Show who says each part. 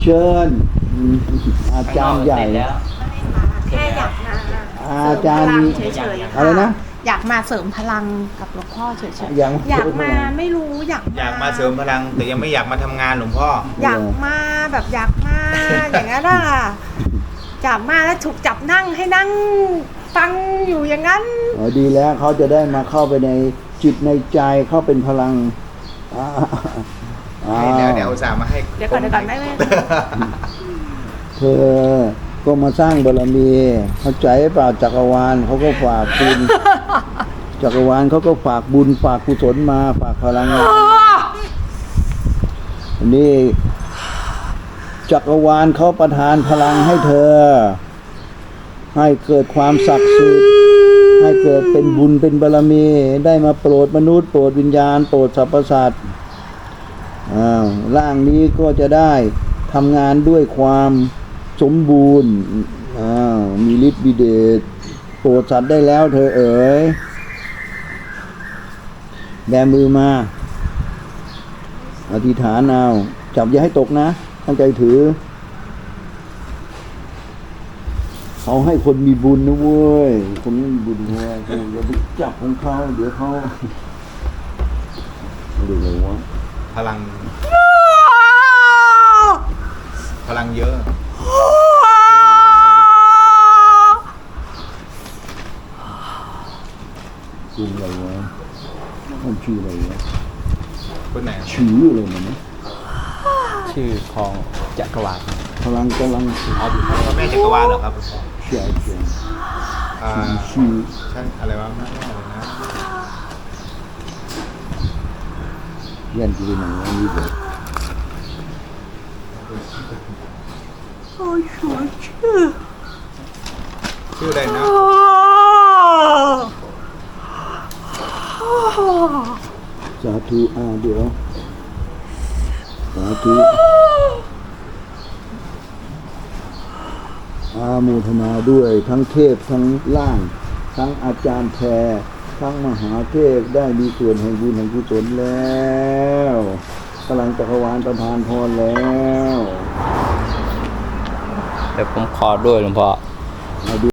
Speaker 1: เชิญอาจารย์ใหญ่
Speaker 2: แค่อยากมา
Speaker 1: อาจารย์มี
Speaker 2: เฉยๆ
Speaker 1: อะไรนะ
Speaker 2: อยากมาเสริมพลังกับหลวงพ่อเฉยๆ
Speaker 1: อยาก
Speaker 2: มาไม่รู้
Speaker 3: อยากมาเสริมพลังแต่ยังไม่อยากมาทำงานหลวงพ่อ
Speaker 2: อยากมาแบบอยากมาอย่างนั้นอ่ะจับมาแล้วถูกจับนั่งให้นั่งฟังอยู่อย่างนั้น
Speaker 1: ดีแล้วเขาจะได้มาเข้าไปในจิตในใจเข้าเป็นพลัง
Speaker 3: เดี๋ยวอุตส่าห์มาให้
Speaker 2: เดี๋ยวก่อนได้ไหม
Speaker 1: เธอก็มาสร้างบารมีเข้าใจเปล่าจักรวาลเขาก็ฝากบุญจักรวาลเขาก็ฝากบุญฝากกุศลมาฝากพลังนี่จักรวาลเขาประทานพลังให้เธอให้เกิดความศักดิ์สิทธิ์ให้เกิดเป็นบุญเป็นบารมีได้มาโปรดมนุษย์โปรดวิญญาณโปรดสรรพสัตว์ร่างนี้ก็จะได้ทำงานด้วยความสมบูรณ์มีฤทธิ์มีเดชโปรดสัตว์ได้แล้วเธอเอ๋ยแบมือมาอธิษฐานเอาจับอย่าให้ตกนะตั้งใจถือเอาให้คนมีบุญนะเว้ยคนไม่มีบุญเว้ยอย่าไปจับของเขาเดี๋ยวเขาเรียกอะไรวะ
Speaker 3: พลังเยอะ
Speaker 1: ชื่ออะไรวะมันชื่ออะไรวะ
Speaker 3: คนไหน
Speaker 1: ชื่ออะไรนะ
Speaker 4: ชื่อของจักรวาล
Speaker 1: พลังกำลัง
Speaker 3: อ๋อพระแม่จักรวาลเหรอครับ
Speaker 1: ใช่ชื่อ
Speaker 3: ชั้นอะไรวะแม่อะไรนะ
Speaker 1: ยันจีนอะไรนี่เด็ก
Speaker 3: ชื่ออะไรนะ
Speaker 1: สาธุเดี๋ยวสาธุโมทนาด้วยทั้งเทพทั้งล่างทั้งอาจารย์แพรทั้งมหาเทพได้มีส่วนแห่งบุญแห่งกุศลแล้วพลังจักรวาลประทานพรแล้ว
Speaker 4: เดี๋ยวผมขอด้วยหลวงพ่อ